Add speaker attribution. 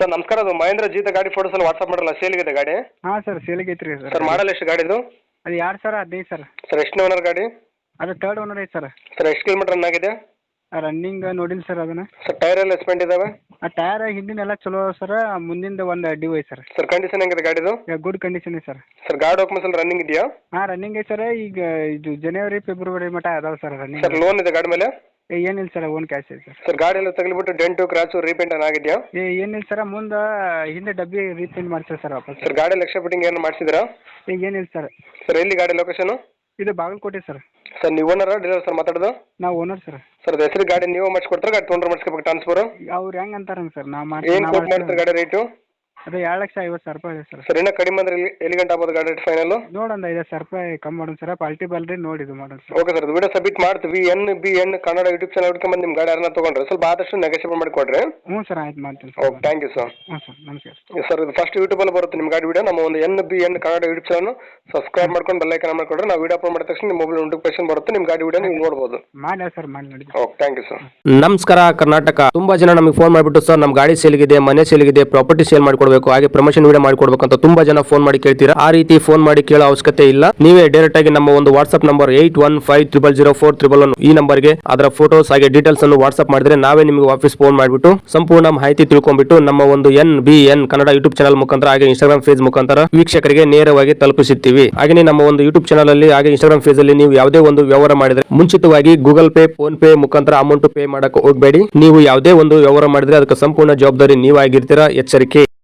Speaker 1: Sir ನಮಸ್ಕಾರ, ಅದು ಮಹೇಂದ್ರ ಜೀತ ಗಾಡಿ ಫೋಟೋಸ್ ಎಲ್ಲ ವಾಟ್ಸಪ್ ಮಾಡಲ್ಲ, ಸೇಲ್ಗಿದೆ ಗಾಡಿ.
Speaker 2: ಹಾಂ ಸರ್ ಸೇಲಿಗೆ ಐತ್ರಿ
Speaker 1: ಸರ್ ಮಾಡಲ್ ಎಷ್ಟು ಗಾಡಿದು?
Speaker 2: ಅದು 2015 ಸರ್.
Speaker 1: ಸರ್ ಎಷ್ಟು ಓನರ್ ಗಾಡಿ?
Speaker 2: ಅದು ಥರ್ಡ್ ಓನರ್ ಐತೆ ಸರ್.
Speaker 1: ಸರ್ ಎಷ್ಟು ಕಿಲೋಮೀಟರ್ ರನ್ ಆಗಿದೆ?
Speaker 2: ರನ್ನಿಂಗ್ ನೋಡಿಲ್ಲ ಸರ್ ಅದನ್ನು.
Speaker 1: ಸರ್ ಟೈರ್ ಎಲ್ಲ ಎಸ್ಪೆಂಟ್ ಇದಾವೆ?
Speaker 2: ಆ ಟೈರ್ ಹಿಂದಿನೆಲ್ಲ ಚಲೋ ಸರ್, ಮುಂದಿಂದ ಒಂದು ಡ್ಯೂ ಐತೆ ಸರ್.
Speaker 1: ಸರ್ ಕಂಡೀಷನ್ ಹೆಂಗಿದೆ ಗಾಡಿದು?
Speaker 2: ಗುಡ್ ಕಂಡೀಷನ್ ಐತೆ ಸರ್.
Speaker 1: ಸರ್ ಗಾಡಿ ಡಾಕ್ಯುಮೆಂಟ್ಸ್ ಎಲ್ಲ ರನ್ನಿಂಗ್ ಇದೆಯಾ?
Speaker 2: ಹಾಂ ರನ್ನಿಂಗ್ ಐತೆ ಸರ್. ಈಗ ಇದು ಜನವರಿ ಫೆಬ್ರವರಿ ಮಟ್ಟ ಅದಾವೆ ಸರ್ ರನ್ನಿಂಗ್.
Speaker 1: ಸರ್ ಲೋನ್ ಇದೆ ಗಾಡಿ ಮೇಲೆ?
Speaker 2: ಏನಿಲ್ಲ ಸರ್, ಓನ್ ಕ್ಯಾಶ್ ಐತೆ ಸರ್.
Speaker 1: ಸರ್ ಗಾಡಿ ಎಲ್ಲ ತಗಲಿಬಿಟ್ಟು ಡೆಂಟು ಕ್ರಾಚು ರೀಪೇಂಟ್ ಆಗಿದೆಯಾ?
Speaker 2: ಏನಿಲ್ಲ ಸರ್, ಮುಂದೆ ಹಿಂದೆ ಡಬ್ಬಿ ರೀಪೇಂಟ್ ಮಾಡ್ತಾರೆ ಸರ್ ವಾಪಸ್.
Speaker 1: ಸರ್ ಗಾಡಿ ಎಕ್ಸ್ಟ್ರಾ ಫಿಟ್ಟಿಂಗ್ ಏನು ಮಾಡಿಸಿದ್ರಾ?
Speaker 2: ಈಗ ಏನಿಲ್ಲ ಸರ್.
Speaker 1: ಸರ್ ಎಲ್ಲಿ ಗಾಡಿ ಲೊಕೇಶನ್?
Speaker 2: ಇದು ಬಾಗಲಕೋಟೆ ಸರ್.
Speaker 1: ಸರ್ ನೀವು ಓನರ್ ಡೀಲರ್ ಸರ್ ಮಾತಾಡೋದು?
Speaker 2: ನಾವು ಓನರ್ ಸರ್.
Speaker 1: ಸರ್ ಹೆಸರು ಗಾಡಿ ನೀವು ಮಾಡಿಸ್ಕೊಡ್ತಾರೆ, ಗಾಡಿ ತೊಗೊಂಡ್ರೆ ಮಾಡಿಸ್ಕೋಬೇಕು ಟ್ರಾನ್ಸ್ಫರ್?
Speaker 2: ಅವ್ರು ಹೆಂಗೆ ಅಂತಾರಂಗೆ ಸರ್, ನಾವು
Speaker 1: ಏನು ಕೋಟ್ ಮಾಡ್ತಾರೆ ಗಾಡಿ ರೇಟು?
Speaker 2: ಅದು 2,50,000 ರೂಪಾಯಿ ಇದೆ ಸರ್.
Speaker 1: ಸರ್ ಇನ್ನೂ ಕಡಿಮೆ ಅಂದ್ರೆ ಎಲ್ಲಿ ಗಂಟೆ ಆಗ್ಬೋದು ಗಾಡಿ ರೇಟ್ ಫೈನಲ್?
Speaker 2: ನೋಡೊಂದು 5,000 ರೂಪಾಯಿ ಕಮ್ಮಿ ಮಾಡೋಣ ಸರ್, ಪಾಲ್ಟಿ ಬಲ್ರಿ ನೋಡಿ ಇದು ಮಾಡೋಣ sir.
Speaker 1: Okay sir, video submit ಮಾಡ್ತೀವಿ. NBN ಕನ್ನಡ ಯೂಟ್ಯೂಬ್ ಚಾನಲ್ ಹುಡ್ಕೊಂಬಂದು ನಿಮ್ಮ ಗಾಡಿ ಯಾರನ್ನ ತೊಗೊಂಡ್ರೆ ಸ್ವಲ್ಪ ಆದಷ್ಟು ನೆಗೋಷಿಯೇಟ್ ಮಾಡಿಕೊಡ್ರಿ.
Speaker 2: ಹ್ಞೂ ಸರ್, ಆಯ್ತು ಮಾಡ್ತೀನಿ sir.
Speaker 1: Okay, thank you sir.
Speaker 2: ಹ್ಞೂ ಸರ್, ನಮಸ್ಕಾರ
Speaker 1: ಸರ್. ಇದು ಫಸ್ಟ್ ಯೂಟ್ಯೂಬಲ್ಲಿ ಬರುತ್ತೆ ನಿಮ್ಮ ಗಾಡಿ ವಿಡಿಯೋ. ನಮ್ಮ ಒಂದು NBN Kannada YouTube channel subscribe ಮಾಡ್ಕೊಂಡು ಬೆಲ್ ಐಕಾನ್ ಮಾಡ್ಕೊಂಡ್ರೆ ನಾವು ವಿಡಿಯೋ ಅಪ್ಲೋಡ್ ಮಾಡಿದ ತಕ್ಷಣ ನಿಮ್ಮ ಮೊಬೈಲ್ ನೋಟಿಫಿಕೇಶನ್ ಬರುತ್ತೆ, ನಿಮ್ಮ ಗಾಡಿ ವಿಡಿಯೋ ನೀವು ನೋಡ್ಬೋದು.
Speaker 2: ಮಾಡಿ ಸರ್, ಮಾಡಿ ನೋಡಿ.
Speaker 1: Okay, thank you sir.
Speaker 3: ನಮಸ್ಕಾರ ಕರ್ನಾಟಕ. ತುಂಬಾ ಜನ ನಮಗೆ ಫೋನ್ ಮಾಡಿಬಿಟ್ಟು ಸರ್ ನಮ್ಮ ಗಾಡಿ ಸೇಲ್ಗಿದೆ, ಮನೆ ಸೇಲ್ಗಿದೆ, ಪ್ರಾಪರ್ಟಿ ಸೇಲ್ ಮಾಡಿಕೊಡ್ಬೇಕು, ಹಾಗೆ ಪ್ರಮೋಷನ್ ವಿಡಿಯೋ ಮಾಡಿಕೊಡ್ಬೇಕು ಅಂತ ತುಂಬಾ ಜನ ಫೋನ್ ಮಾಡಿ ಕೇಳ್ತೀರಾ. ಆ ರೀತಿ ಫೋನ್ ಮಾಡಿ ಕೇಳೋ ಅವಶ್ಯಕತೆ ಇಲ್ಲ. ನೀವೇ ಡೈರೆಕ್ಟ್ ಆಗಿ ನಮ್ಮ ಒಂದು ವಾಟ್ಸ್ಆಪ್ ನಂಬರ್ 81500411 ಈ ನಂಬರ್ಗೆ ಅದರ ಫೋಟೋಸ್ ಹಾಗೆ ಡೀಟೇಲ್ಸ್ ಅನ್ನು ವಾಟ್ಸ್ಆಪ್ ಮಾಡಿದ್ರೆ ನಾವೇ ನಿಮಗೆ ವಾಪಸ್ ಫೋನ್ ಮಾಡಿಬಿಟ್ಟು ಸಂಪೂರ್ಣ ಮಾಹಿತಿ ತಿಳ್ಕೊಂಡ್ಬಿಟ್ಟು ನಮ್ಮ ಒಂದು NBN ಕನ್ನಡ ಯೂಟ್ಯೂಬ್ ಚಾನಲ್ ಮುಖಾಂತರ ಹಾಗೆ ಇನ್ಸ್ಟಾಗ್ರಾಮ್ ಪೇಜ್ ಮುಖಾಂತರ ವೀಕ್ಷಕರಿಗೆ ನೇರವಾಗಿ ತಲುಪಿಸುತ್ತೀವಿ. ಹಾಗೆ ನಮ್ಮ ಒಂದು ಯೂಟ್ಯೂಬ್ ಚಾನಲ್ ಅಲ್ಲಿ ಹಾಗೆ ಇನ್ಸ್ಟಾಗ್ರಾಮ್ ಪೇಜ್ ಅಲ್ಲಿ ನೀವು ಯಾವುದೇ ಒಂದು ವ್ಯವಹಾರ ಮಾಡಿದ್ರೆ ಮುಂಚಿತವಾಗಿ ಗೂಗಲ್ ಪೇ, ಫೋನ್ ಪೇ ಮುಖಾಂತರ ಅಮೌಂಟ್ ಪೇ ಮಾಡಕ್ಕೆ ಹೋಗಬೇಡಿ. ನೀವು ಯಾವುದೇ ಒಂದು ವ್ಯವಹಾರ ಮಾಡಿದ್ರೆ ಅದಕ್ಕೆ ಸಂಪೂರ್ಣ ಜವಾಬ್ದಾರಿ ನೀವಾಗಿರ್ತೀರಾ. ಎಚ್ಚರಿಕೆ.